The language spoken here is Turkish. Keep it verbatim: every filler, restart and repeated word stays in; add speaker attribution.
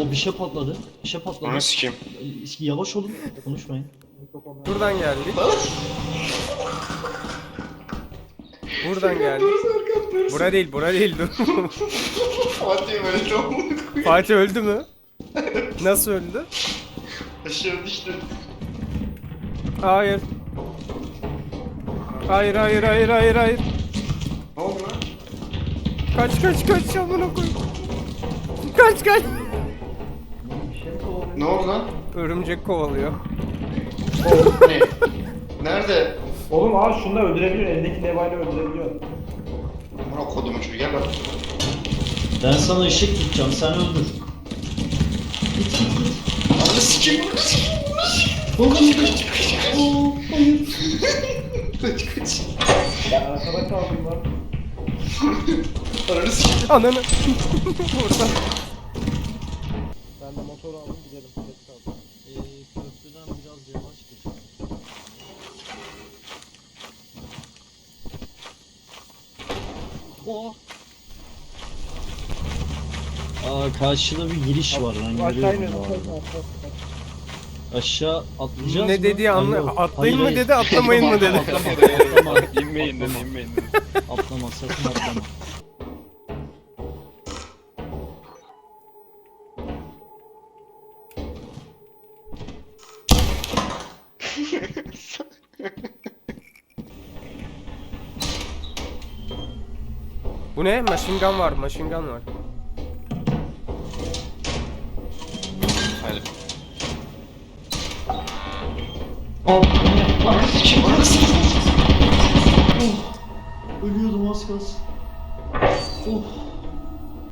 Speaker 1: O bir şey patladı. Bir şey patladı.
Speaker 2: Onu sikeyim.
Speaker 1: Yavaş olun. Konuşmayın.
Speaker 3: Buradan geldik. Buradan geldik. Bura değil, bura değil. Dur.
Speaker 2: Fatih öldü amına koyayım.
Speaker 3: Fatih öldü mü? Nasıl öldü?
Speaker 2: Aşağı düştü.
Speaker 3: Hayır. Hayır, hayır, hayır, hayır, hayır.
Speaker 2: Ne oldu lan?
Speaker 3: Kaç, kaç, kaç amına koy. Kaç, kaç.
Speaker 2: Ne oldu lan?
Speaker 3: Örümcek kovalıyor.
Speaker 2: Ne? Nerede?
Speaker 4: Oğlum abi şunu da öldürebiliyor. Elindeki levayla öldürebiliyor.
Speaker 2: Amına kodumun çocuğu gel bak.
Speaker 1: Ben sana ışık tutacağım. Sen öldür. Git git git.
Speaker 2: Ananı sikeyim.
Speaker 1: Oğlum kaç. Oo, hayır.
Speaker 2: Kaç kaç.
Speaker 4: Ben arkada kaldım lan.
Speaker 2: Ananı sikeyim.
Speaker 3: Ananı. Buradan.
Speaker 4: Ben de motoru aldım gidelim. Geç kaldım.
Speaker 1: Ee, köprüden biraz yavaş geç. Oh. Aa, karşıda bir giriş var lan,
Speaker 4: Aşağı
Speaker 1: görüyorum
Speaker 4: iniyorum.
Speaker 1: bu
Speaker 4: aşağı
Speaker 1: arada.
Speaker 4: iniyorum, aşağı.
Speaker 1: Aşağı atlayacağız
Speaker 3: Ne
Speaker 1: mı?
Speaker 3: dediği anla.
Speaker 1: Alo,
Speaker 3: Atlayın
Speaker 1: hayır,
Speaker 3: mı
Speaker 1: hayır.
Speaker 3: dedi, atlamayın mı dedi.
Speaker 1: Atlama, atlama.
Speaker 5: İnmeyin dedi, inmeyin dedi.
Speaker 1: Atlama, sakın atlama.
Speaker 3: Bu ne? Machine gun var, machine gun var.
Speaker 5: Hadi.
Speaker 2: Ananı sikeyim. Ananı sikeyim.
Speaker 1: Oh, ölüyordum az kalsın. Oh.